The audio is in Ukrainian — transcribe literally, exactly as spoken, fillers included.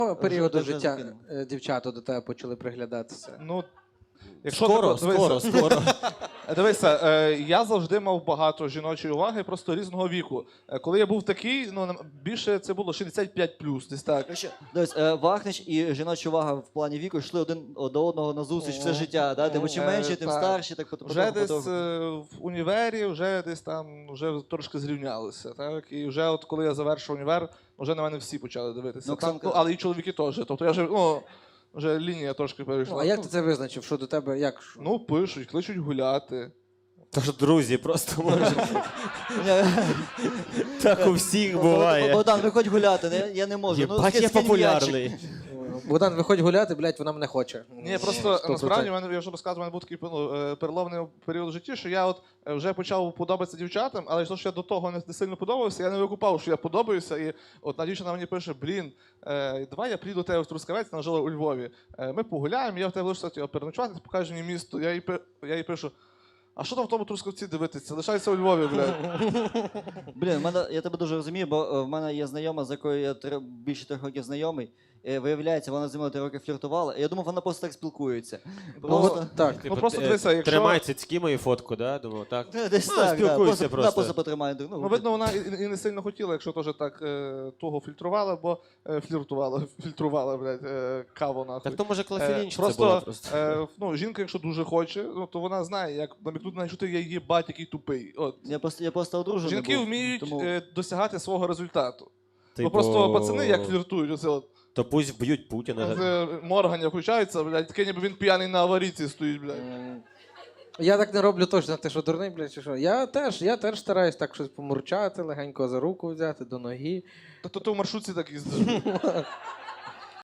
періоду Вже життя закинув. е, дівчата до тебе почали приглядатися? Ну, якщо Скоро, ти, дивися, скоро, скоро. Дивися, е, я завжди мав багато жіночої уваги, просто різного віку. Е, коли я був такий, ну нам- більше це було шістдесят п'ять плюс, десь так. Короче, дивись, е, Вахнич і жіноча увага в плані віку йшли один до одного на зустріч все життя. Да? Типу, чим Е, менше, тим так. старші, так потім. Вже потім- десь потім. е, в універі, вже десь там вже трошки зрівнялися. Так? І вже от коли я завершив універ, вже на мене всі почали дивитися. Ну, Там, Оксанка- ну, але і чоловіки теж. Тобто я вже, ну, вже лінія трошки Ну, перейшла. а як ти це визначив? Що до тебе, як? Ну, пишуть, кличуть гуляти. Тож друзі, просто може. Ні, Так у всіх Богдан, буває. Богдан, виходь гуляти, не- я не можу. Ну, Єбать, скинь- я скинь популярний. Богдан, виходь гуляти, блядь, вона мене хоче. Ні, просто Сто насправді в процентів. мене, я вже розказував, у мене був такий ну, е, переломний період в житті, що я от е, вже почав подобатися дівчатам, але то, що я до того не, не сильно подобався, я не викупав, що я подобаюся. І от одна дівчина мені пише: блін, е, давай я приїду до тебе в Трускавець, вона жила у Львові. Е, ми погуляємо, я в тебе лише хотів переночувати, ти покажеш мені місто. Я їй, пи- я їй пишу: а що там в тому Трускавці дивитися? Лишайся у Львові, блядь. Блін, в мене, я тебе дуже розумію, бо е, в мене є знайома, з якою я три, більше трьох років знайомий. Е, Виявляється, вона зі мною три роки фліртувала. І я думав, вона просто так спілкується. Ну, Просто... от так. Ну, просто дивися, якщо- Тримай цицьки мою фотку, да? Думав, так. Десь Ну, так, да. спілкуйся Просто, просто. Да, просто потримай. Ну, Ну, видно, вона і, і не сильно хотіла, якщо теж так е, того фільтрувала, бо е, фліртувала, фільтрувала, блядь, е, каву нахуй. Так то може Е, клафелінчиця просто, була просто. Е, ну, жінка, якщо дуже хоче, ну, то вона знає, як намікнути на що ти є їбать, який тупий. От. Я просто, я просто одружений Жінки був, вміють тому... е, досягати свого результату. Типу, Ну просто пацани як фліртують, оце от. То пусть вб'ють Путіна. Це Морганя включається, блядь, таке ніби він п'яний на аварійці стоїть, блядь. М, Я так не роблю точно, ти що дурний, блядь, чи що? Я теж, я теж стараюсь так щось помурчати, легенько за руку взяти, до ноги. Тобто ти в маршрутці так їздиш.